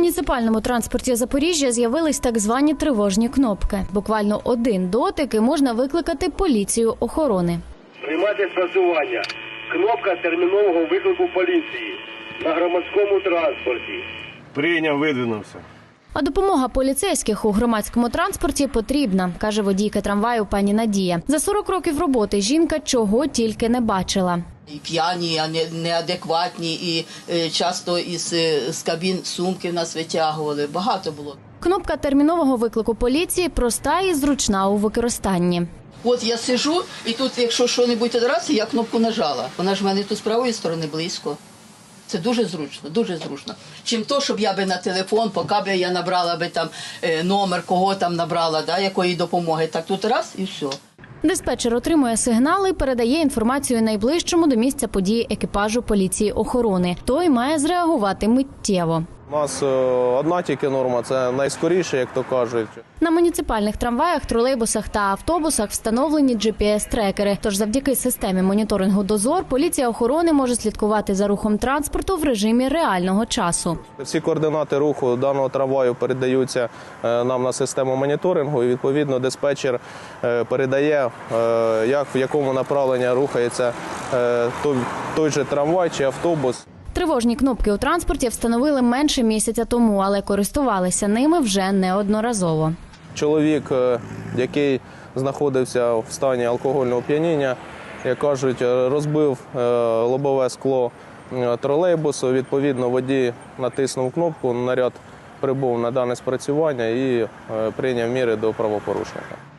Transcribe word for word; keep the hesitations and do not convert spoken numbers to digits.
муніципальному транспорті Запоріжжя з'явились так звані тривожні кнопки. Буквально один дотик і можна викликати поліцію охорони. Приймати спрацювання. Кнопка термінового виклику поліції на громадському транспорті. Прийняв, видвинувся. А допомога поліцейських у громадському транспорті потрібна, каже водійка трамваю пані Надія. За сорок років роботи жінка чого тільки не бачила. І п'яні, і неадекватні, і часто із з кабін сумки в нас витягували. Багато було. Кнопка термінового виклику поліції проста і зручна у використанні. От я сижу, і тут, якщо що-небудь одразу, я кнопку нажала. Вона ж в мене тут з правої сторони близько. Це дуже зручно, дуже зручно. Чим то, щоб я би на телефон, поки б я набрала би там номер, кого там набрала, да, якої допомоги. Так тут раз і все. Диспетчер отримує сигнали і передає інформацію найближчому до місця події екіпажу поліції охорони. Той має зреагувати миттєво. У нас одна тільки норма – це найскоріше, як то кажуть. На муніципальних трамваях, тролейбусах та автобусах встановлені джі пі ес-трекери. Тож завдяки системі моніторингу «Дозор» поліція охорони може слідкувати за рухом транспорту в режимі реального часу. Всі координати руху даного трамваю передаються нам на систему моніторингу і, відповідно, диспетчер передає, як, в якому направленні рухається той, той же трамвай чи автобус. Тривожні кнопки у транспорті встановили менше місяця тому, але користувалися ними вже неодноразово. Чоловік, який знаходився в стані алкогольного оп'яніння, як кажуть, розбив лобове скло тролейбусу. Відповідно, водій натиснув кнопку, наряд прибув на дане спрацювання і прийняв міри до правопорушника.